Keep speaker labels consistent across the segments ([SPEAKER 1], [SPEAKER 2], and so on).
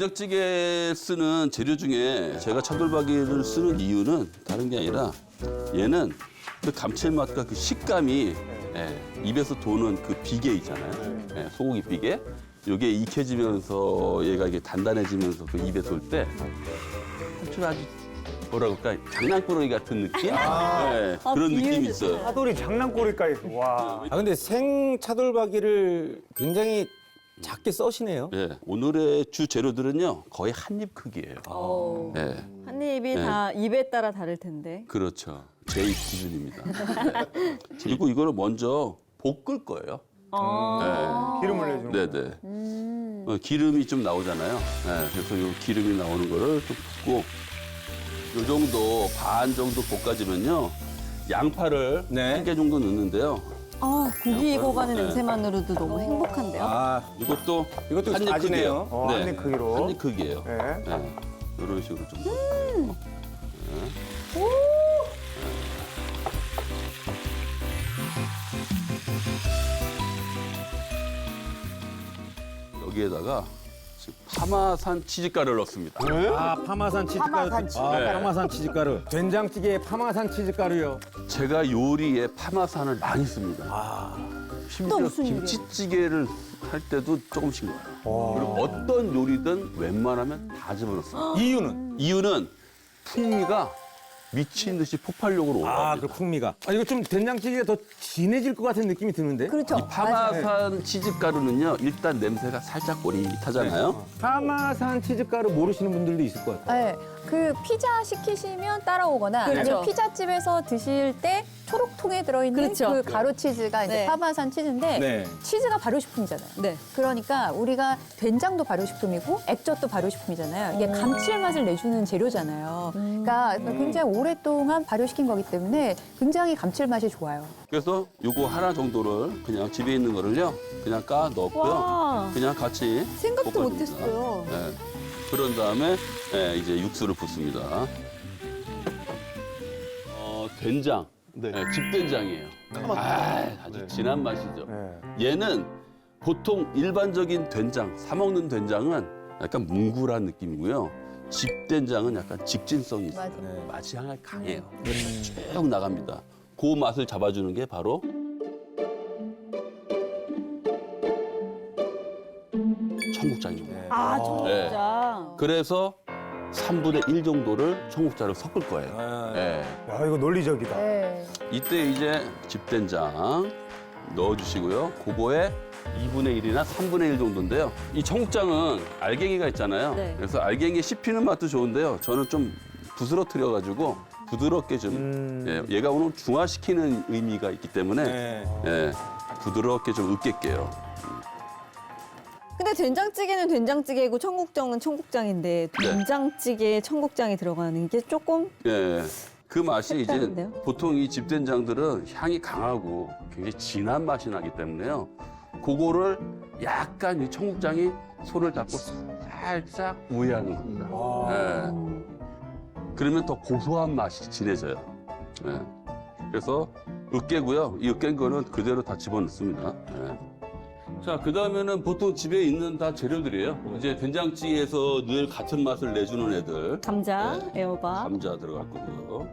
[SPEAKER 1] 된장찌개 쓰는 재료 중에 제가 차돌박이를 쓰는 이유는 다른 게 아니라 얘는 그 감칠맛과 그 식감이 입에서 도는 그 비계 있잖아요. 소고기 비계. 이게 익혀지면서 얘가 이게 단단해지면서 그 입에 돌 때 아주 뭐라 그럴까 장난꾸러기 같은 느낌? 그런 느낌이 있어요.
[SPEAKER 2] 차돌이 장난꾸러기까지. 와.
[SPEAKER 3] 아 근데 생 차돌박이를 굉장히 작게 써시네요.
[SPEAKER 1] 오늘의 주 재료들은요 거의 한 입 크기예요.
[SPEAKER 4] 한 입이 다 입에 따라 다를 텐데.
[SPEAKER 1] 그렇죠. 제 입 기준입니다. 그리고 이거를 먼저 볶을 거예요.
[SPEAKER 2] 기름을 내주는 거.
[SPEAKER 1] 네네. 기름이 좀 나오잖아요. 그래서 이 기름이 나오는 거를 좀 붓고 이 정도 반 정도 볶아지면요 양파를
[SPEAKER 3] 네.
[SPEAKER 1] 한 개 정도 넣는데요.
[SPEAKER 4] 고기 익어가는 냄새만으로도 너무 행복한데요.
[SPEAKER 3] 아
[SPEAKER 1] 이것도
[SPEAKER 3] 이것도
[SPEAKER 1] 한입
[SPEAKER 3] 다지네요.
[SPEAKER 1] 크기예요.
[SPEAKER 2] 한 입 크기로.
[SPEAKER 1] 한 입 크기예요.
[SPEAKER 2] 네.
[SPEAKER 1] 이런 식으로 좀. 여기에다가 지금 파마산 치즈가루를 넣습니다.
[SPEAKER 3] 아 파마산 치즈가루. 파마산 치즈가루. 된장찌개에 파마산 치즈가루요.
[SPEAKER 1] 제가 요리에 파마산을 많이 씁니다. 심지어
[SPEAKER 4] 무슨 요리예요?
[SPEAKER 1] 김치찌개를 할 때도 조금씩 넣어요. 그리고 어떤 요리든 웬만하면 다 집어넣습니다. 이유는 풍미가 미친 듯이 폭발력으로
[SPEAKER 3] 아
[SPEAKER 1] 올라갑니다.
[SPEAKER 3] 그 풍미가. 아 이거 좀 된장찌개가 더 진해질 것 같은 느낌이 드는데.
[SPEAKER 4] 그렇죠.
[SPEAKER 1] 이 파마산 치즈가루는요 일단 냄새가 살짝 꼬릿하잖아요.
[SPEAKER 3] 파마산 치즈가루 모르시는 분들도 있을 것 같아요.
[SPEAKER 5] 네, 그 피자 시키시면 따라오거나
[SPEAKER 4] 그렇죠.
[SPEAKER 5] 아니면 피자집에서 드실 때 초록통에 들어있는
[SPEAKER 4] 그렇죠.
[SPEAKER 5] 그 가루 치즈가 이제
[SPEAKER 4] 네.
[SPEAKER 5] 파마산 치즈인데
[SPEAKER 3] 네.
[SPEAKER 5] 치즈가 발효식품이잖아요.
[SPEAKER 4] 네.
[SPEAKER 5] 그러니까 우리가 된장도 발효식품이고 액젓도 발효식품이잖아요. 이게 감칠맛을 내주는 재료잖아요. 그러니까 굉장히 오랫동안 발효시킨 거기 때문에 굉장히 감칠맛이 좋아요.
[SPEAKER 1] 그래서 요거 하나 정도를 그냥 집에 있는 거를요 그냥 까 넣고요.
[SPEAKER 4] 와.
[SPEAKER 1] 그냥 같이
[SPEAKER 4] 생각도
[SPEAKER 1] 볶아줍니다.
[SPEAKER 4] 못했어요.
[SPEAKER 1] 그런 다음에 이제 육수를 붓습니다. 된장. 집된장이에요. 아주 진한 맛이죠. 얘는 보통 일반적인 된장, 사 먹는 된장은 약간 뭉글한 느낌이고요. 집된장은 약간 직진성이 있어요.
[SPEAKER 5] 맞아요.
[SPEAKER 1] 맛이 향이 강해요. 쭉 나갑니다. 그 맛을 잡아주는 게 바로 청국장입니다.
[SPEAKER 4] 청국장.
[SPEAKER 1] 그래서 3분의 1 정도를 청국장을 섞을 거예요.
[SPEAKER 2] 야, 이거 논리적이다.
[SPEAKER 5] 네.
[SPEAKER 1] 이때 이제 집된장 넣어주시고요. 그거에 2분의 1이나 3분의 1 정도인데요. 이 청국장은 알갱이가 있잖아요.
[SPEAKER 4] 네.
[SPEAKER 1] 그래서 알갱이 씹히는 맛도 좋은데요. 저는 좀 부스러뜨려가지고 부드럽게 좀 얘가 오늘 중화시키는 의미가 있기 때문에 부드럽게 좀 으깰게요.
[SPEAKER 4] 근데 된장찌개는 된장찌개고 청국장은 청국장인데 된장찌개에 청국장이 들어가는 게 조금
[SPEAKER 1] 그 맛이 이제
[SPEAKER 4] 색다른데요?
[SPEAKER 1] 보통 이 집된장들은 향이 강하고 굉장히 진한 맛이 나기 때문에요. 그거를 약간 이 청국장이 손을 잡고 살짝 우회하는 겁니다. 그러면 더 고소한 맛이 진해져요. 그래서 으깨고요. 이 으깬 거는 그대로 다 집어넣습니다. 자, 그 다음에는 보통 집에 있는 다 재료들이에요. 이제 된장찌개에서 늘 같은 맛을 내주는 애들.
[SPEAKER 4] 감자, 애호박.
[SPEAKER 1] 감자 들어갈 거고요.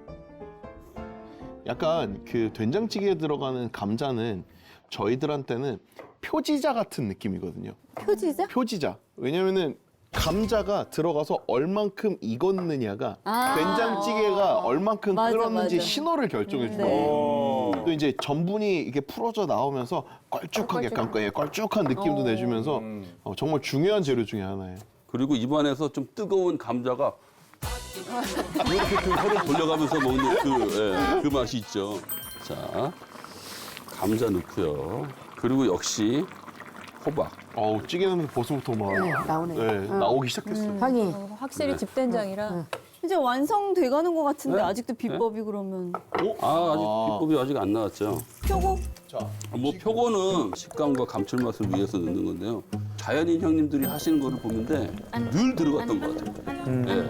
[SPEAKER 6] 약간 그 된장찌개에 들어가는 감자는 저희들한테는 표지자 같은 느낌이거든요.
[SPEAKER 4] 표지자?
[SPEAKER 6] 표지자. 왜냐면은 감자가 들어가서 얼만큼 익었느냐가 된장찌개가 얼만큼
[SPEAKER 4] 맞아,
[SPEAKER 6] 끓었는지
[SPEAKER 4] 맞아.
[SPEAKER 6] 신호를 결정해 주거든요.
[SPEAKER 4] 네.
[SPEAKER 6] 또 이제 전분이 이게 풀어져 나오면서 걸쭉하게 약간 걸쭉한 느낌도 내주면서 정말 중요한 재료 중에 하나예요.
[SPEAKER 1] 그리고 입안에서 좀 뜨거운 감자가 이렇게 그 혀를 돌려가면서 먹는 그 맛이 있죠. 자, 감자 넣고요. 그리고 역시 호박.
[SPEAKER 6] 찌개는 벌써부터 막 나오기 시작했어요.
[SPEAKER 5] 향이 확실히 집된장이라
[SPEAKER 4] 이제 완성돼가는 것 같은데 아직도 비법이 그러면
[SPEAKER 1] 아직 비법이 아직 안 나왔죠.
[SPEAKER 4] 표고?
[SPEAKER 1] 뭐 표고는 식감과 감칠맛을 위해서 넣는 건데요. 자연인 형님들이 하시는 거를 보는데 늘 들어갔던 것 같아요.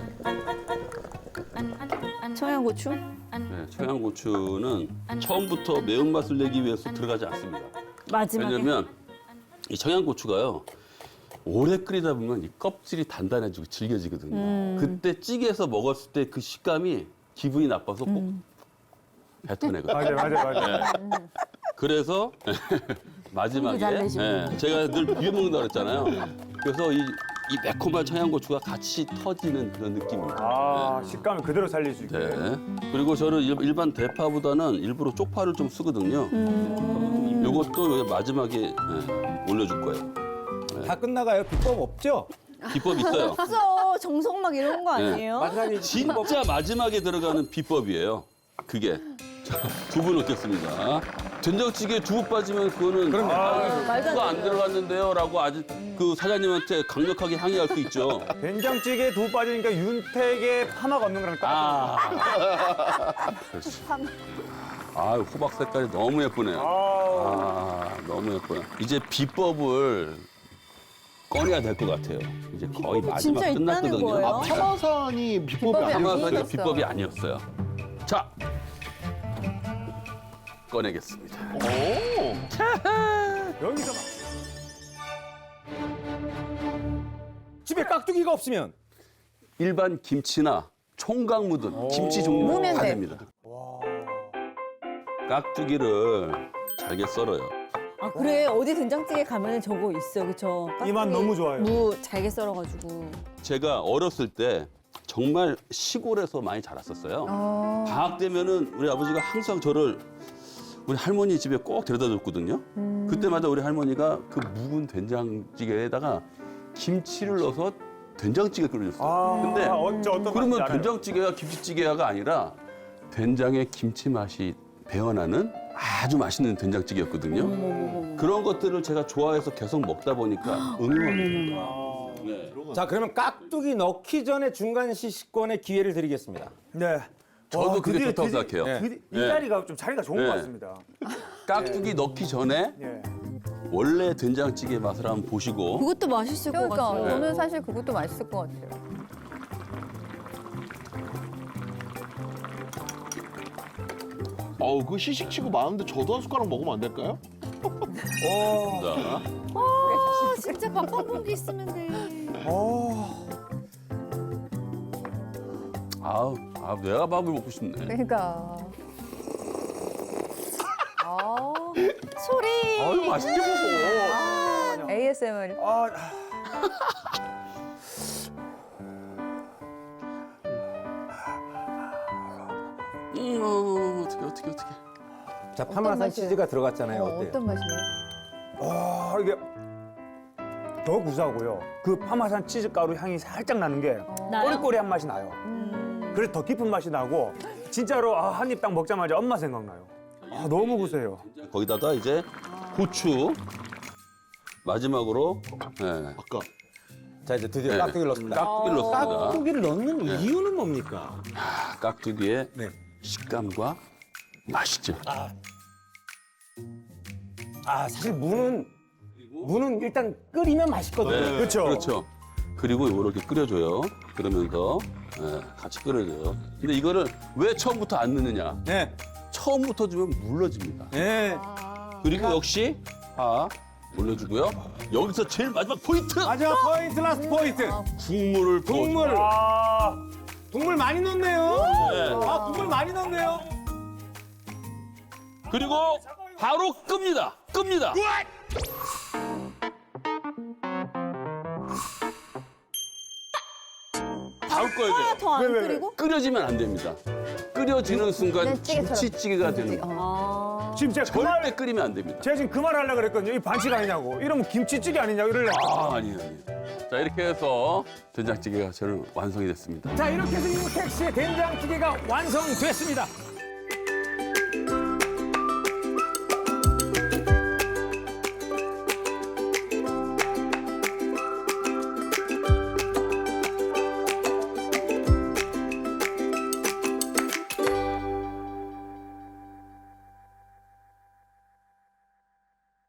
[SPEAKER 4] 청양고추?
[SPEAKER 1] 청양고추는 처음부터 매운맛을 내기 위해서 들어가지 않습니다.
[SPEAKER 4] 마지막에?
[SPEAKER 1] 왜냐면 이 청양고추가요. 오래 끓이다 보면 이 껍질이 단단해지고 질겨지거든요. 그때 찌개에서 먹었을 때 그 식감이 기분이 나빠서 꼭 뱉어내거든요.
[SPEAKER 2] 맞아요.
[SPEAKER 1] 그래서 마지막에 제가 늘 비벼 먹는다고 그랬잖아요. 그래서 이 매콤한 청양고추가 같이 터지는 그런 느낌입니다.
[SPEAKER 2] 아, 식감을 그대로 살릴 수 있게.
[SPEAKER 1] 네. 그리고 저는 일반 대파보다는 일부러 쪽파를 좀 쓰거든요. 요것도 마지막에 올려줄 거예요.
[SPEAKER 3] 다 끝나가요. 비법 없죠?
[SPEAKER 1] 비법 있어요.
[SPEAKER 4] 없어. 정성 막 이런 거 아니에요?
[SPEAKER 3] 마지막에
[SPEAKER 1] 진짜 마지막에 들어가는 비법이에요. 그게. 자, 두부 넣겠습니다. 된장찌개에 두부 빠지면 그거는
[SPEAKER 4] 말도 안
[SPEAKER 1] 두부가 안
[SPEAKER 4] 돼요.
[SPEAKER 1] 들어갔는데요라고 아주 그 사장님한테 강력하게 항의할 수 있죠.
[SPEAKER 2] 된장찌개에 두부 빠지니까 윤택의 파마가 없는 거랑 똑같아.
[SPEAKER 1] 그렇지. 아, 호박 색깔이 너무 예쁘네요. 너무 예뻐요. 이제 비법을 꺼내야 될 것 같아요. 이제 거의 마지막
[SPEAKER 4] 진짜 있다는
[SPEAKER 1] 끝났거든요.
[SPEAKER 4] 거예요?
[SPEAKER 6] 파마산이 비법이
[SPEAKER 5] 비법이
[SPEAKER 6] 아니에요.
[SPEAKER 1] 파마산이
[SPEAKER 5] 아니었어요.
[SPEAKER 1] 비법이 아니었어요. 자, 꺼내겠습니다.
[SPEAKER 2] 여기서 막.
[SPEAKER 3] 집에 깍두기가 없으면
[SPEAKER 1] 일반 김치나 총각 묻은 김치 종류
[SPEAKER 5] 무면
[SPEAKER 1] 다
[SPEAKER 5] 돼.
[SPEAKER 1] 됩니다. 깍두기를 잘게 썰어요.
[SPEAKER 4] 아 그래 어디 된장찌개 가면은 저거 있어 그쵸?
[SPEAKER 2] 이 맛 너무 좋아요.
[SPEAKER 4] 무 잘게 썰어가지고.
[SPEAKER 1] 제가 어렸을 때 정말 시골에서 많이 자랐었어요. 방학 되면은 우리 아버지가 항상 저를 우리 할머니 집에 꼭 데려다 줬거든요. 그때마다 우리 할머니가 그 묵은 된장찌개에다가 김치를 넣어서 된장찌개 끓여줬어요. 근데
[SPEAKER 2] 어떤
[SPEAKER 1] 그러면
[SPEAKER 2] 맛인지 알아요.
[SPEAKER 1] 된장찌개가 김치찌개가 아니라 된장에 김치 맛이 배어나는 아주 맛있는 된장찌개였거든요. 그런 것들을 제가 좋아해서 계속 먹다 보니까 응용합니다. 네.
[SPEAKER 3] 자 그러면 깍두기 넣기 전에 중간 시식권의 기회를 드리겠습니다.
[SPEAKER 2] 네.
[SPEAKER 1] 저도
[SPEAKER 2] 와,
[SPEAKER 1] 그게
[SPEAKER 2] 드디어,
[SPEAKER 1] 좋다고
[SPEAKER 2] 드디어,
[SPEAKER 1] 생각해요.
[SPEAKER 2] 드디어 이
[SPEAKER 1] 네.
[SPEAKER 2] 자리가 좀 자리가 좋은
[SPEAKER 1] 네.
[SPEAKER 2] 것 같습니다.
[SPEAKER 1] 깍두기 넣기 전에
[SPEAKER 2] 예.
[SPEAKER 1] 원래 된장찌개 맛을 한번 보시고
[SPEAKER 4] 그것도 맛있을 것
[SPEAKER 5] 그러니까
[SPEAKER 4] 같아요.
[SPEAKER 5] 저는 사실 그것도 맛있을 것 같아요.
[SPEAKER 6] 어우, 그 시식치고 많은데 저도 한 숟가락 먹으면 안 될까요?
[SPEAKER 1] 자,
[SPEAKER 4] 아, 진짜 밥 한 공기 있으면 돼.
[SPEAKER 1] 내가 밥을 먹고 싶네.
[SPEAKER 5] 그러니까.
[SPEAKER 4] 소리.
[SPEAKER 1] 아유, 맛있게 먹어.
[SPEAKER 5] ASMR.
[SPEAKER 1] 어떻게.
[SPEAKER 3] 자 파마산
[SPEAKER 5] 맛이에요?
[SPEAKER 3] 치즈가 들어갔잖아요. 어때요?
[SPEAKER 5] 어떤 맛이에요?
[SPEAKER 2] 이게 더 구수하고요. 그 파마산 치즈 가루 향이 살짝 나는 게
[SPEAKER 4] 나요?
[SPEAKER 2] 꼬리꼬리한 맛이 나요. 그래서 더 깊은 맛이 나고 진짜로 한 입 딱 먹자마자 엄마 생각나요. 너무 구수해요.
[SPEAKER 1] 거기다가 이제 고추 마지막으로
[SPEAKER 6] 아까
[SPEAKER 3] 자 이제 드디어
[SPEAKER 1] 네.
[SPEAKER 3] 깍두기를 넣습니다.
[SPEAKER 1] 깍두기를 넣습니다.
[SPEAKER 3] 깍두기를 넣는 이유는 뭡니까?
[SPEAKER 1] 깍두기의
[SPEAKER 3] 네.
[SPEAKER 1] 식감과 맛이죠.
[SPEAKER 3] 사실 무는 일단 끓이면 맛있거든요.
[SPEAKER 1] 네,
[SPEAKER 2] 그렇죠.
[SPEAKER 1] 그렇죠. 그리고 이렇게 끓여줘요. 그러면서 같이 끓여줘요. 근데 이거를 왜 처음부터 안 넣느냐?
[SPEAKER 3] 네.
[SPEAKER 1] 처음부터 주면 물러집니다.
[SPEAKER 3] 네.
[SPEAKER 1] 그리고 역시 올려주고요. 여기서 제일 마지막 포인트!
[SPEAKER 3] 마지막 포인트 라스트 포인트.
[SPEAKER 1] 국물을 부어줘요.
[SPEAKER 3] 국물. 국물 많이 넣네요.
[SPEAKER 1] 네.
[SPEAKER 3] 국물 많이 넣네요.
[SPEAKER 1] 그리고 바로 끕니다. 바로 꺼야 돼요.
[SPEAKER 4] 더 안
[SPEAKER 2] 왜?
[SPEAKER 4] 끓이고?
[SPEAKER 1] 끓여지면 안 됩니다. 끓여지는 순간
[SPEAKER 5] 찌개처럼.
[SPEAKER 1] 김치찌개가 되는 거예요.
[SPEAKER 2] 지금 제가 그 말,
[SPEAKER 1] 절대 끓이면 안 됩니다.
[SPEAKER 2] 제가 지금 그 말 하려고 그랬거든요. 이 반칙 아니냐고. 이러면 김치찌개 아니냐고 이러려고.
[SPEAKER 1] 아니에요. 자, 이렇게 해서 된장찌개가 저는 완성이 됐습니다.
[SPEAKER 3] 자 이렇게 해서 이택 씨의 된장찌개가 완성됐습니다.